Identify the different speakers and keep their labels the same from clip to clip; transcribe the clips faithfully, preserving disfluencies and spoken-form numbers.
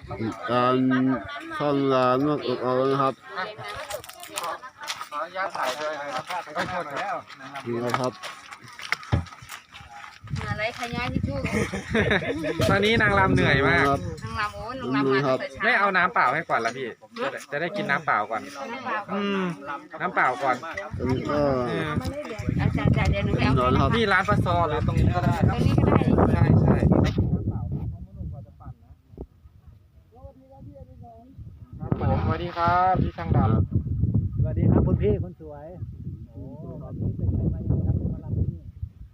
Speaker 1: การซ่อนร้านมากเอานะครับ
Speaker 2: ขออนุญาตถ่ายด้วยนะครับไปชนแล้ว
Speaker 1: นี่นะครับ
Speaker 3: อะไรขยายที่ทุก
Speaker 4: ตอนนี้นางรำเหนื่อยมาก
Speaker 3: นางลำโอ้นางลำมาตั้งแต่เช้า
Speaker 4: ไม่เอาน้ำเปล่าให้ก่อนละพี่จะได้จะได้กินน้ำเปล่าก่อน
Speaker 3: น้ำเปล่า
Speaker 4: อืมน้ำเปล่าก่อน
Speaker 1: อันนี้ก็
Speaker 4: เออ
Speaker 3: อาจารย์เดี๋ยวหนูไปเอา
Speaker 1: นอนครับ
Speaker 4: นี่ร้านปลาซอหรือตรงนี้ก็ได้
Speaker 3: ตรงนี้ก็ได้
Speaker 4: ใช่ใช่ ครับผมสวัสดีครับพี่ช่างดำ
Speaker 2: สวัสดีครับคุณพี่คนสวยโอ้วันนี้เป็นไงมายังครับมาลำที่นี่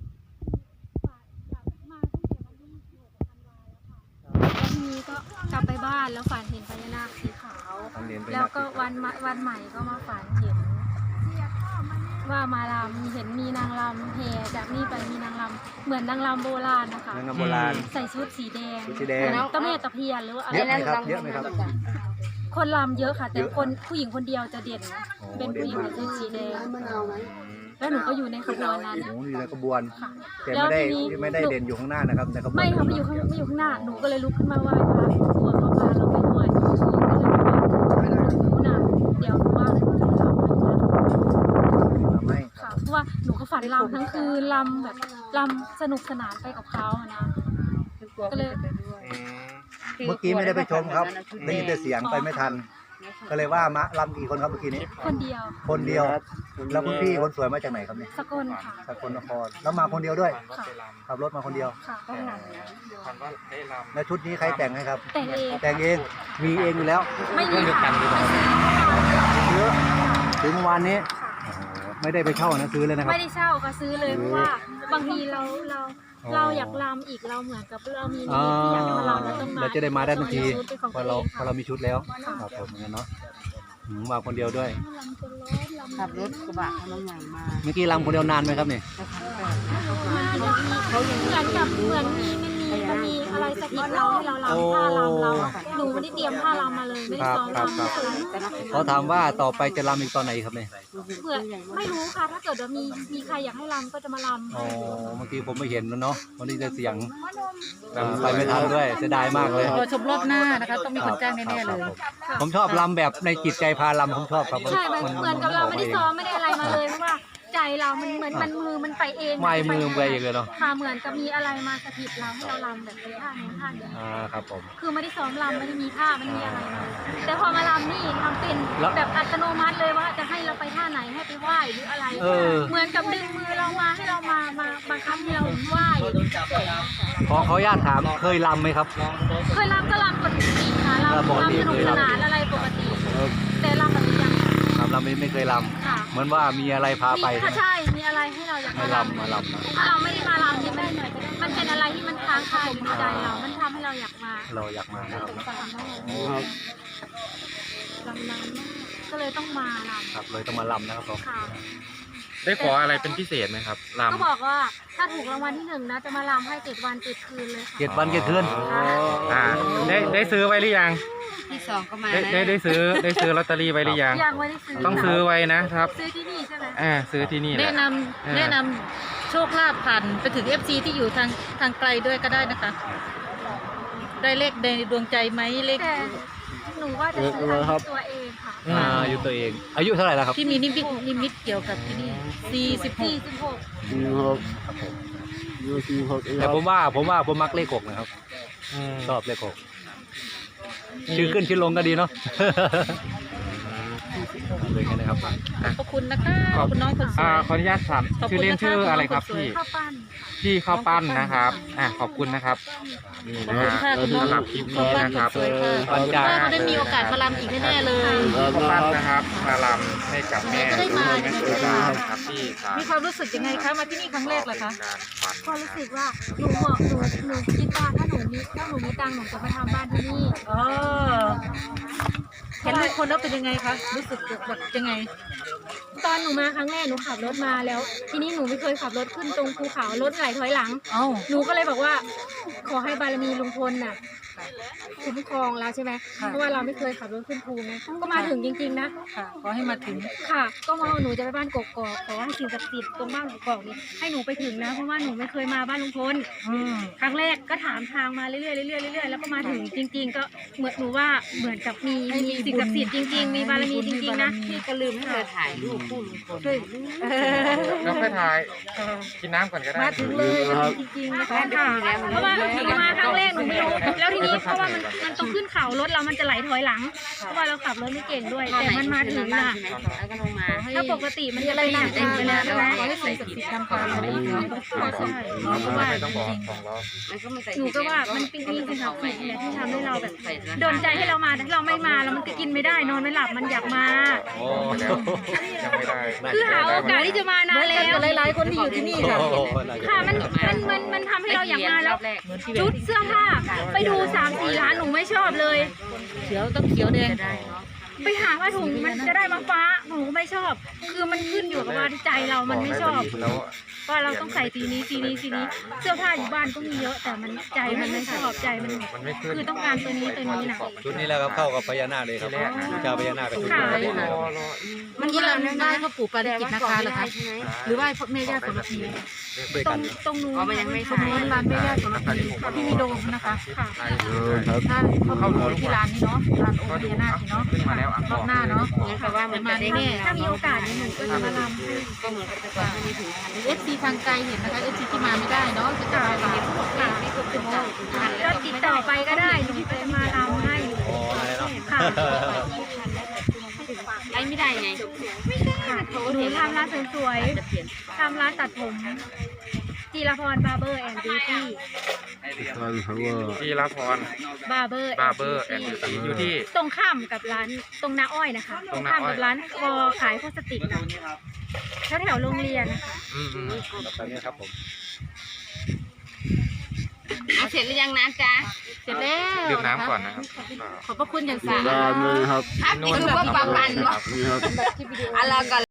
Speaker 5: วันนี้ก็กลับไปบ้านแล้วฝันเห็นพญานาคสีขาว แล้วก็วันมาวันใหม่ก็มาฝันเห็น ว่ามาลำเห็นมีนางลำแห่จากนี่ไปมีนางลำเหมือนนางลำโบราณนะคะ
Speaker 2: นางงามโบราณ
Speaker 5: ใส่ชุดสีแดง
Speaker 2: สีแดง
Speaker 5: ตะเมตะเพียนหรือว่าอะไร
Speaker 2: เยอะไหม
Speaker 5: นะครับ
Speaker 2: เยอะไหมครับ
Speaker 5: คนลำเยอะค่ะ แต่
Speaker 2: เยอะ
Speaker 5: คนผู้หญิงคนเดียวจะเด่น
Speaker 2: โอ้
Speaker 5: เป็นผู้หญิง
Speaker 2: เด่น
Speaker 5: ใส่ชุดสีแดงแล้วหนูก็อยู่ในขบวนนั้น
Speaker 2: โอ้โหอยู่ในขบวน
Speaker 5: ค่ะ
Speaker 2: แต่
Speaker 5: แล้ว
Speaker 2: ไม่ได้
Speaker 5: ทีนี้
Speaker 2: ไม่ได้
Speaker 5: หนู
Speaker 2: เด่นอยู่ข้างหน้านะครับในขบวน
Speaker 5: ไม่ค่ะไม่อยู่ข้างไม่อยู่ข้างหน้าหนูก็เลยลุกขึ้นมาไหว้พระกลัวเขาพาเราไปด้วยก็เลยบอกว่าหนูน่ะเดี๋ยวหนูว่าหนูจะทำให้นะ
Speaker 2: ไม่
Speaker 5: ค่ะเพราะว่าหนูก็ฝันลำทั้งคืนลำแบบลำสนุกสนานไปกับเขาอะนะก็เลย
Speaker 2: เมื่อกี้ไม่ได้ไปชมครับได้ยินแต่เสียงไปไม่ทัน ก็เลยว่ามะลำกี่คนครับเมื่อกี้นี้
Speaker 5: คนเดียว
Speaker 2: คนเดียว แล้วคุณพี่คนสวยมาจากไหนครับเนี่ย
Speaker 5: สกลค่ะ
Speaker 2: สกลนครแล้วมาคนเดียวด้วย
Speaker 5: ค่ะ
Speaker 2: ขับรถมาคนเดียว
Speaker 5: ค่ะ
Speaker 4: ฝันว่าได้ลำ
Speaker 2: แล้วชุดนี้ใครแต่งให้ครับ
Speaker 5: แต่งเอง
Speaker 2: แต่งเองมีเองอยู่แล้ว
Speaker 5: ไม่มีค่ะไม่ซื้อ
Speaker 2: เยอะถึงเมื่อวานนี้โอ้โหไม่ได้ไปเช่านะซื้อเลยนะครับ
Speaker 5: ไม่ได้เช่าก็ซื้อเลยเพราะว่าบางทีเราเรา
Speaker 2: อ๋อ
Speaker 5: เราอยากลำอีกเราเหมือนกับเรามี
Speaker 2: อ่า
Speaker 5: ที่อยากจะมาลำแล้วต้องมา
Speaker 2: เราจะได้มาได้ทันที
Speaker 5: ชุดเป็นของ
Speaker 2: พอ
Speaker 5: ตัว
Speaker 2: เรา
Speaker 5: เอง
Speaker 2: พอเรามีชุดแล้วครับผมเหมือนกันเนาะอืมมาคนเดียวด้วย
Speaker 3: ขับรถกระบะคันใหญ่มา
Speaker 2: เมื่อกี้ลำคนเดียวนานไหมครับเนี่ย
Speaker 5: มันจะมีเขาเหมือนกับเหมือนมีมันมีมันมีอะไรสะกิดเราให้เราลำท่าลำเราหนูไม่ได้เตรียมท่าลำมาเลยไม่ได้ซ้อมลำไม่เคย
Speaker 2: เขาถามว่าต่อไปจะลำอีกตอนไหนครับเนี่ย
Speaker 5: เผื่อไม่รู้ค่ะถ้าเกิดว่ามีมีใครอยากให้ลำก็จะมาลำ
Speaker 2: อ๋อบางทีผมไม่เห็นแล้วเนาะวันนี้จะเสียงอ่าไปไม่ทันด้วยเสียดายมากเลย
Speaker 3: รอชมรอบหน้านะคะต้องมีคนจ้างแน่ๆเลย
Speaker 2: ครับผมชอบลำแบบในจิตใจพาลำผมชอบครับ
Speaker 5: ใช่มันเหมือนกับเราไม่ได้ซ้อมไม่ได้อะไรมาเลยเพราะว่าใจเรามันเหมือนมันมือมันไปเอง
Speaker 2: ไม่มือไปอย่างเลยเนาะ
Speaker 5: ค่ะเหมือนกับมีอะไรมาสะกิดเราให้เราลำแบบเป็นท่านี้ท่านี้
Speaker 2: อ่าครับผม
Speaker 5: คือไม่ได้ซ้อมลำไม่ได้มีท่าไม่ได้มีอะไรมาแต่พอมาลำนี่ทำเป็น
Speaker 2: แล้ว
Speaker 5: แบบอัตโนมัติเลยว่าจะให้เราไปท่าไหนให้ไปไหว้หรืออะไร
Speaker 2: เออ
Speaker 5: เหมือนกับดึงมือเรามาให้เรามามาบังคับให้เราไหว้
Speaker 2: ขอขออนุญาตถามเคยลำไหมครับ
Speaker 5: เคยลำก็ลำปกติค่ะลำ
Speaker 2: ลำปกติ
Speaker 5: ลำสนุกสนานอะไรปกติ
Speaker 2: เออ
Speaker 5: แต่ลำแบบนี้ยัง
Speaker 2: ครับลำไม่ไม่เคยล
Speaker 5: ค่ะ
Speaker 2: ำเหมือนว่ามีอะไรพาไป
Speaker 5: มีค่ะใช่ มีอะไรให้เราอยาก
Speaker 2: มา
Speaker 5: มาลำ
Speaker 2: ลำมาลำนะ
Speaker 5: ถ้าเราไม่ได้มาลำเนี่ยมันมันเป็นอะไรที่มันค้างคาอยู่ในใจเรา มันทำให้เราอยากมา
Speaker 2: เราอยากมานะครับ
Speaker 5: ลำนั้น
Speaker 1: ครับ
Speaker 5: ลำนั้นก็เลยต้องมาล
Speaker 2: ครับเลยต้องมาลำนะครับผม
Speaker 5: ำค่ะ
Speaker 4: ได้ขออะไรเป็นพิเศษไหมครับลำ
Speaker 5: ก็บอกว่าถ้าถูกรางวัลที่หนึ่งนะจะมาลำให้เจ็ดวันเจ็ดคืนเลยค่ะ
Speaker 2: เจ็ดวันเจ็ดคืน
Speaker 4: อ่าได้ได้ซื้อไว้หรือยัง
Speaker 3: ที่สองก็มา
Speaker 4: ได้
Speaker 3: นะ
Speaker 4: ได้ได้ซื้อได้ซื้อลอตเตอรี่ไว้หรือยัง
Speaker 5: ยังไม่ได้ซื้อ
Speaker 4: ต้องซื้อไว้นะครับ
Speaker 5: ซื้อที่นี่ใช่ไหม
Speaker 4: อ่าซื้อที่นี่แห
Speaker 6: แนะ
Speaker 4: ละ
Speaker 6: น
Speaker 4: เออ
Speaker 6: ำแนะนำโชคลาภผ่านไปถึง เอฟ ซี ที่อยู่ทางทางไกลด้วยก็ได้นะคะ ได้เลขในดวงใจไหมเลข
Speaker 5: แต่หนูว่าจะซื้อให้ตัวเองค่ะ
Speaker 2: อ่าอายุตัวเอง อายุเท่าไหร่แล้วครับ
Speaker 6: ที่มีนิมิตนิมิตเกี่ยวกับที่นี่สี่สิบห
Speaker 5: สี่
Speaker 6: ก
Speaker 5: สิบหก
Speaker 1: นี่ครับดูสิครับ
Speaker 2: แต่ผมว่าผมว่าผมมักเลขหกนะครับ
Speaker 4: อืม
Speaker 2: ชอบเลขหกชื่อขึ้นชื่อลงก็ดีเนาะ เลยกันนะครับ
Speaker 6: ขอบคุณนะคะขอบคุณน้องคนสว
Speaker 4: อ่าย ขออนุญาตถาม
Speaker 6: ขอบคุณ
Speaker 4: ชื่อเล่น
Speaker 6: นะคะ
Speaker 4: ชื่ออะไรครับ
Speaker 6: คุณน้องคนสวย
Speaker 4: พี่
Speaker 5: ข้าวปั้น
Speaker 4: พี่ข้าวปั้นนะครับอ่ะขอบคุณนะครับนี่
Speaker 6: ขอบ
Speaker 4: นะ
Speaker 6: คุณ
Speaker 4: ค
Speaker 6: ค่ะ
Speaker 4: รับ
Speaker 6: คุณน้อง
Speaker 4: สำหรับคลิป
Speaker 6: ขอบ
Speaker 4: นี้
Speaker 6: คุณ
Speaker 4: นะครับ
Speaker 6: สวยค่ะ
Speaker 2: ปัญญา
Speaker 6: ถ้าเขาได้มีโอกาสมาลำอีกแน่ๆเลย
Speaker 4: ข้าวปั้นนะครับมาลำให้กับแม่
Speaker 6: จะได้มา
Speaker 4: แม่
Speaker 6: จะ
Speaker 4: สุ
Speaker 6: ได้
Speaker 4: ดา
Speaker 6: มา
Speaker 4: นะครับที่ศาล
Speaker 6: มีความรู้สึกยังไงคะมาที่นี่ครั้งแรกเหรอคะ
Speaker 4: การฝัน
Speaker 5: ก็รู้สึกว่าหนูเหมาะหนูหนูคิดว่าถ้าหนูมีถ้าหนูมีตังค์หนูจะมาทำบ้านที่นี่
Speaker 6: อ๋อเห็นลุงพลแล้วเป็นยังไงคะรู้สึกแบบยังไง
Speaker 5: ตอนหนูมาครั้งแรกหนูขับรถมาแล้ว ทีนี้หนูไม่เคยขับรถขึ้นตรงภูเขารถไหลถอยหลัง
Speaker 6: เอ้า
Speaker 5: หนูก็เลยบอกว่า ขอให้บารมีลุงพลน่ะคุ้มครองเราใช่ไหมเพราะว่าเราไม่เคยขับรถขึ้นภูไงก็มาถึงจริงๆนะ
Speaker 6: ค่ะขอให้มาถึง
Speaker 5: ค่ะ ก็มาหนูจะไปบ้านกกอกขอให้สิ่งศักดิ์สิทธิ์ตรงบ้านกกอกนี้ให้หนูไปถึงนะเพราะว่าหนูไม่เคยมาบ้านลุงพล
Speaker 6: อืม
Speaker 5: ครั้งแรกก็ถามทางมาเรื่อยๆเรื่อยๆเรื่อยๆแล้วก็มาถึงจริง ๆ ก็เหมือนหนูว่าเหมือนกับมีมีสิ่งศักดิ์สิทธิ์จริงๆมีบารมีจริงๆนะ
Speaker 3: พี่ก็ลืมให้เธอถ่ายรูปคู่ลุงพล
Speaker 4: แล้วค่อยถ่ายกินน้ำก่อนก็ได้
Speaker 6: มาถึงเลยจริงๆนะคะ
Speaker 5: ค่ะเพราะว่าหนูมาครั้งแรกหนูไม่รู้แล้วทีนี้เพราะว่ามันมันต้องขึ้นเขารถเรามันจะไหลถอยหลังเพราะว่าเราขับรถไม่เก่งด้วย แต่มันมาถึงน่ะ
Speaker 3: แล้วก็ลงมา
Speaker 5: ถ้าปกติมันจะไปไหนได้ไปแล้วใช่ไหม
Speaker 6: ขอให้สิ่งศักดิ์สิทธิ์นำพาเราได้เนาะ
Speaker 5: ใช่
Speaker 6: เราก็ว่า
Speaker 4: ไม่
Speaker 6: จ
Speaker 4: ต้องบอก
Speaker 6: ริง
Speaker 4: สองล้อ
Speaker 3: มันก็ไม่ใส่
Speaker 5: หนูก็ว่ามันเป็นสิ่งศักดิ์สิทธิ์แหละที่ทำให้เราแบบโดนใจให้เรามาถ้าเราไม่มาแล้วมันก็กินไม่ได้นอนไม่หลับมันอยากมา
Speaker 4: โอ้แล้วยังไม่ได้
Speaker 5: คือหาโอกาสที่จะมานาน
Speaker 6: ๆ
Speaker 5: แล้ว
Speaker 6: กันหลายๆคนที่อยู่ที่นี่ค่ะ
Speaker 5: ค่ะมันมันมันมันทำให้เราอยากมาแล้วชุดเสื้อผ้าไปดูสามสี่ร้านหนูไม่ชอบเลย
Speaker 6: เขียวต้องเขียวแดง
Speaker 5: ไปหาว่าถุงมันจะได้มาฟ้าหนูก็ไม่ชอบ คือมันขึ้นอยู่กับว่าใจเรามันไม่ชอบ
Speaker 4: แล้ว
Speaker 5: ว่าเราต้องใส่สีนี้สีนี้สีนี้ เสื้อผ้าอยู่บ้านก็มีเยอะ แต่มันใจมันไม่ชอบใจมัน
Speaker 4: มันไม่ขึ้น
Speaker 5: คือต้องการตัวนี้ตัวนี้นะ
Speaker 2: ชุดนี้แล้วครับเข้ากับพญานาคเลยครับเจ้าพญานาคกับชุด
Speaker 5: ค่ะ
Speaker 2: นี้
Speaker 4: รอรอ
Speaker 6: เมื่อกี้เราไหว้พ่อปู่ปาริจิตนะคะเหรอคะหรือไหว้พ่อแม่ย่าสมพี
Speaker 2: ด้วย
Speaker 5: ตร
Speaker 2: กั
Speaker 5: ง
Speaker 2: น
Speaker 5: ตรงนู้น
Speaker 3: อ๋อมันยังไม่
Speaker 6: ตรง
Speaker 3: ใช่
Speaker 6: นู้นร้านแม่ย่าสมพีที่มีโดมนะคะ
Speaker 5: ค่ะ
Speaker 1: เออครับ
Speaker 6: ถ้าเข้าดูที่ร้านนี้เนาะร้านโอพญานาคเนาะ
Speaker 4: ขึ้นมาแล้วอ่ะ
Speaker 6: รอบหน้าเนาะ
Speaker 3: งั้นแปลว่ามันจะได้
Speaker 6: แน่
Speaker 5: ถ้ามีโอกาสเนี่ยหนูก็จะมาลำให้
Speaker 3: ก็เหมือนกับแต่ก่อนไม่มีถึงพัน
Speaker 6: เอฟซีทางไกลเห็นนะคะเอฟซีที่มาไม่ได้เนาะจะจะไปเห็น
Speaker 5: ค่ะ
Speaker 3: ถึงพัน
Speaker 5: ก็ติดต่อไปก็ได้หนูจะมาลำให้
Speaker 2: อ๋ออะไรเนาะ
Speaker 5: ค่ะ
Speaker 3: ไอ้ไม่ได้ไง
Speaker 5: ค่ะหนูทำร้านเสริมสวยทำร้านตัดผมจีรพรบาร์เบอร์แอนด์บิวตี้
Speaker 1: ท่านครับว่า
Speaker 4: ที่รับพร
Speaker 5: บาร์เบอร์
Speaker 4: บาร์เบอร์แอนด์บิวตี้อยู่ที่
Speaker 5: ตรงข้ามกับร้านตรงนาอ้อยนะคะ
Speaker 4: ตรงนา
Speaker 5: ข้าม
Speaker 4: อ้อย
Speaker 5: กับร้านคอขายพลาสติกนะแถวแถวๆโรงเรียนนะคะ
Speaker 4: อืมอืม
Speaker 2: ตอนนี้ครับผม
Speaker 3: เอาเสร็จหรือยังนะจ๊ะ
Speaker 6: เสร็จแล้ว
Speaker 4: ดื่มน้ำก่อนนะครับ
Speaker 6: ขอบพระคุณอย่างสูง
Speaker 1: ด้านเลยครับ
Speaker 3: ครับนี่คือว่าปลาปันวะ
Speaker 1: นี่ครับ
Speaker 3: อะไรก่อน